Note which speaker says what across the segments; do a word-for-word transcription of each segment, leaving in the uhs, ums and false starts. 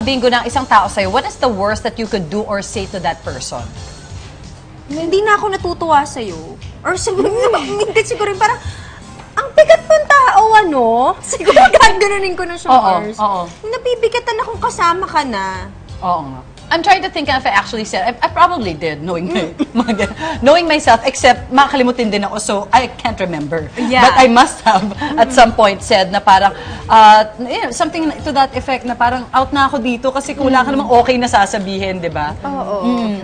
Speaker 1: Bingo ng isang tao sa'yo, what is the worst that you could do or say to that person?
Speaker 2: Hindi na ako natutuwa sa'yo. Or siguro, hindi siguro rin parang, ang bigat ng tao, ano? Siguro gaganunin ko na siya,
Speaker 1: Oo,
Speaker 2: Mars.
Speaker 1: oo.
Speaker 2: Nabibigatan akong kasama ka na.
Speaker 1: Oo nga. I'm trying to think if I actually said, I, I probably did, knowing my, knowing myself, except makakalimutin din ako, so I can't remember.
Speaker 2: Yeah.
Speaker 1: But I must have, at some point, said na parang, uh, you know, something to that effect na parang out na ako dito kasi kung wala ka namang okay na sasabihin, di ba?
Speaker 2: Oo.
Speaker 1: Mm.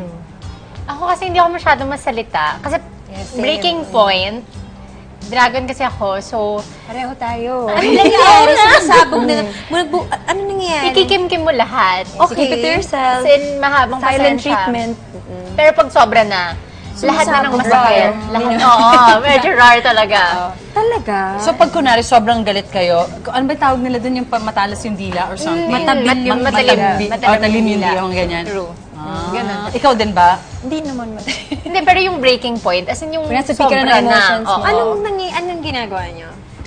Speaker 3: Ako kasi hindi ako masyadong masalita. Kasi breaking point, dragon kasi ako, so...
Speaker 2: Pareho tayo.
Speaker 3: Ano
Speaker 2: nangyayari? Sumasabog na. Ano nangyayari?
Speaker 3: Ikikimkim mo lahat.
Speaker 2: Okay.
Speaker 4: Keep it to yourself.
Speaker 3: As in, mahabang
Speaker 4: Silent
Speaker 3: pasensya.
Speaker 4: treatment.
Speaker 3: Pero pag sobra na, lahat na ng
Speaker 2: Sumasabog.
Speaker 3: masakit. Lahat, oo, medyo rare talaga.
Speaker 2: Talaga?
Speaker 1: So pag kunwari sobrang galit kayo, ano ba tawag nila dun yung pa- matalas yung dila or something?
Speaker 3: Matabit
Speaker 1: Mat-
Speaker 3: yung
Speaker 1: mat-
Speaker 3: matalim.
Speaker 1: matalim-
Speaker 3: Matalim
Speaker 1: oh, talim
Speaker 3: yung
Speaker 1: yung
Speaker 3: dila.
Speaker 1: dila, yung ganyan.
Speaker 3: True.
Speaker 1: Ah,
Speaker 3: Ganun.
Speaker 1: ikaw din ba?
Speaker 4: Hindi naman mali.
Speaker 3: Hindi, pero yung breaking point, as in yung
Speaker 4: Nasa peak
Speaker 3: sobra
Speaker 4: ka na ng emotions
Speaker 3: na.
Speaker 4: mo.
Speaker 3: oo.
Speaker 2: Anong, nangy anong ginagawa niyo?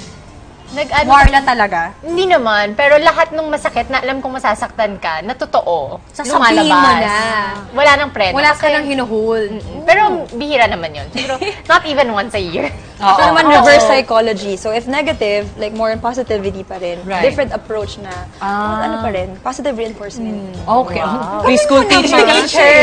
Speaker 3: Nag, ano,
Speaker 2: Warla talaga?
Speaker 3: Hindi naman, pero lahat ng masakit na alam kong masasaktan ka, na totoo,
Speaker 2: Sasabihin mo
Speaker 3: lumalabas.
Speaker 2: na.
Speaker 3: Wala nang preno.
Speaker 2: Wala ka
Speaker 3: kasi-
Speaker 2: nang hinuhold.
Speaker 3: Pero bihira naman yun. Siguro, not even once a year.
Speaker 1: Oo.
Speaker 4: Ito naman
Speaker 3: Oo.
Speaker 4: reverse psychology. So if negative, like more on positivity pa rin.
Speaker 1: Right.
Speaker 4: Different approach na.
Speaker 1: Ah.
Speaker 4: Ano pa rin? Positive reinforcement.
Speaker 1: Okay. Preschool teacher.
Speaker 3: Teacher.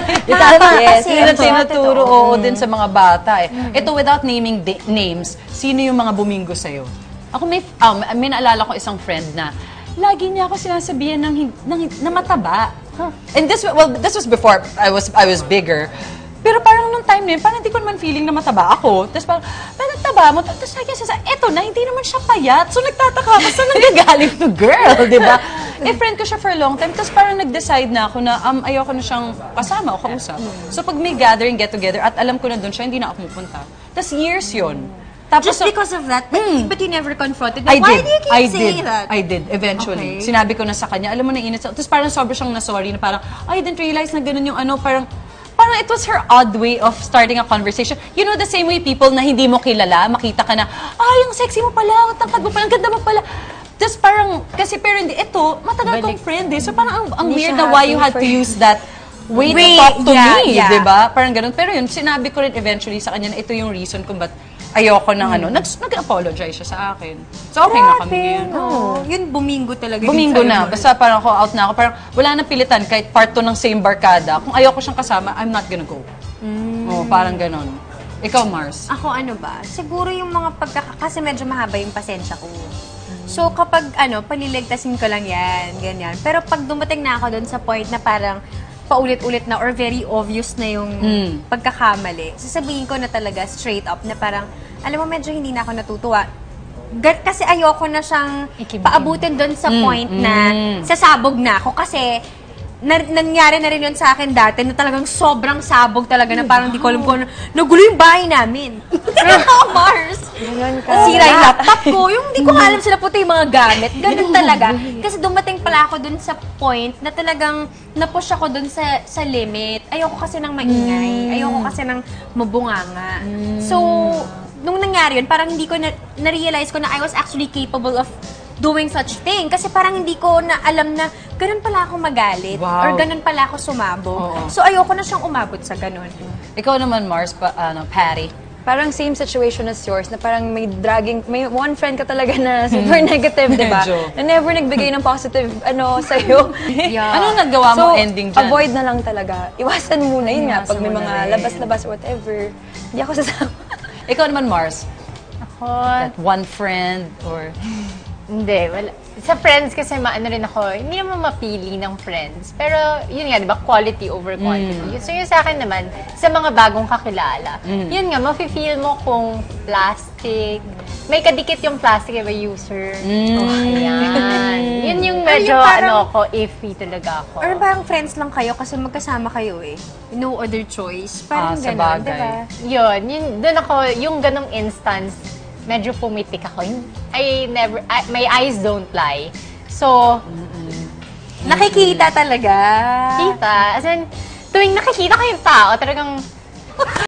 Speaker 1: Tama,
Speaker 4: Yes,
Speaker 1: kasi
Speaker 4: yes.
Speaker 1: yun ang tinuturo oo, din sa mga bata eh. Ito, without naming da- names, sino yung mga bumingo sa'yo? Ako may, um, may naalala ko isang friend na lagi niya ako sinasabihan ng, hin- ng, hin- na mataba. And this, well, this was before I was I was bigger. Pero parang nung time na yun, parang hindi ko naman feeling na mataba ako. Tapos parang, parang taba mo. Tapos lagi siya sa, eto na, hindi naman siya payat. So nagtataka ako, saan nanggagaling to girl, di ba? Eh, friend ko siya for a long time. Tapos parang nag-decide na ako na um, ayoko na siyang kasama o kausap. So pag may gathering, get-together, at alam ko na doon siya, hindi na ako pupunta. Tapos years yun. Tapos,
Speaker 2: Just because of that? But, but you never confronted
Speaker 1: I
Speaker 2: them? Why
Speaker 1: did.
Speaker 2: do you keep
Speaker 1: I
Speaker 2: saying
Speaker 1: did.
Speaker 2: that?
Speaker 1: I did. Eventually.
Speaker 2: Okay.
Speaker 1: Sinabi ko na sa kanya, alam mo na init. Tapos parang sobrang siyang na-sorry na parang, I didn't realize na ganun yung ano, parang, parang it was her odd way of starting a conversation. You know, the same way people na hindi mo kilala, makita ka na, ay, yung sexy mo pala, ang tangkad mo pala, ang ganda mo pala. Tapos parang, kasi pero hindi, ito, matagal kong friend eh. So parang ang, ang
Speaker 4: Hindi
Speaker 1: weird
Speaker 4: siya
Speaker 1: na why you had
Speaker 4: happy
Speaker 1: to
Speaker 4: for-
Speaker 1: use that way to
Speaker 2: Wait,
Speaker 1: talk to
Speaker 2: yeah,
Speaker 1: me,
Speaker 2: yeah.
Speaker 1: di ba? Parang ganun. Pero yun, sinabi ko rin eventually sa kanya na ito yung reason kung ba't ayoko ng ano. Nag- Nag-apologize siya sa akin. So okay na kami ngayon.
Speaker 2: No. Yun, bumingo talaga. yun
Speaker 1: Bumingo
Speaker 2: sa'yo,
Speaker 1: na.
Speaker 2: Mars.
Speaker 1: Basta parang ako out na ako. Parang wala nang pilitan kahit part two ng same barkada. Kung ayoko siyang kasama, I'm not gonna go. Oh, parang ganon. Ikaw, Mars.
Speaker 2: Ako ano ba? Siguro yung mga pagkaka... Kasi medyo mahaba yung pasensya ko. So kapag ano, paliligtasin ko lang yan, ganyan. Pero pag dumating na ako doon sa point na parang paulit-ulit na or very obvious na yung
Speaker 1: Mm.
Speaker 2: pagkakamali, sasabihin ko na talaga straight up na parang, alam mo, medyo hindi na ako natutuwa. Ga- kasi ayoko na siyang
Speaker 3: Ikimkim.
Speaker 2: paabutin doon sa
Speaker 1: Mm,
Speaker 2: point na
Speaker 1: mm.
Speaker 2: sasabog na ako kasi na, nangyari na rin yun sa akin dati na talagang sobrang sabog talaga na parang di ko alam kung ano, nagulo yung bahay namin. Talaga, Mars! Sira yung laptop ko, yung di ko nga alam sila puti yung mga gamit. Ganun talaga. Kasi dumating pala ako dun sa point na talagang napush ako dun sa sa limit. Ayoko kasi ng maingay. Ayoko kasi ng mabunganga. So, nung nangyari yun, parang hindi ko na, na-realize ko na I was actually capable of doing such thing. Kasi parang hindi ko na alam na ganun pala ako magalit.
Speaker 1: Wow.
Speaker 2: Or ganun pala ako sumabog.
Speaker 1: Oo.
Speaker 2: So, ayoko na siyang umabot sa ganun.
Speaker 1: Ikaw naman, Mars, pa, ano, Patty.
Speaker 4: Parang same situation as yours, na parang may dragging, may one friend ka talaga na super negative, di ba?
Speaker 1: Medyo.
Speaker 4: Na never nagbigay ng positive, ano, sa'yo.
Speaker 2: Yeah.
Speaker 1: Anong nagawa mo
Speaker 4: So,
Speaker 1: ending dyan?
Speaker 4: avoid na lang talaga. Iwasan muna, yun nga, pag may
Speaker 2: Iwasan mo
Speaker 4: mga
Speaker 2: na rin.
Speaker 4: labas-labas, whatever. Hindi ako sasama.
Speaker 1: Ikaw naman, Mars.
Speaker 3: Ako,
Speaker 1: That one friend or...
Speaker 3: hindi. Wala. Sa friends kasi maano rin ako, hindi naman mapili ng friends. Pero yun nga, di ba, quality over quantity. So yun sa akin naman, sa mga bagong kakilala, yun nga, mafe-feel mo kung plastic, may kadikit yung plastic ba user. Oh, ayan. Yun yung medyo,
Speaker 2: Or yung parang-
Speaker 3: ano ako, iffy talaga ako.
Speaker 2: Or parang friends lang kayo kasi magkasama kayo eh. No other choice.
Speaker 1: Ah,
Speaker 2: Parang
Speaker 1: sa
Speaker 2: gano'n,
Speaker 1: bagay.
Speaker 2: diba?
Speaker 3: Yun, yun, doon ako, yung ganong instance, medyo pumitik ako. I never, I, my eyes don't lie. So,
Speaker 2: Nakikita talaga.
Speaker 3: kita, as in, tuwing nakikita ko yung tao, talagang,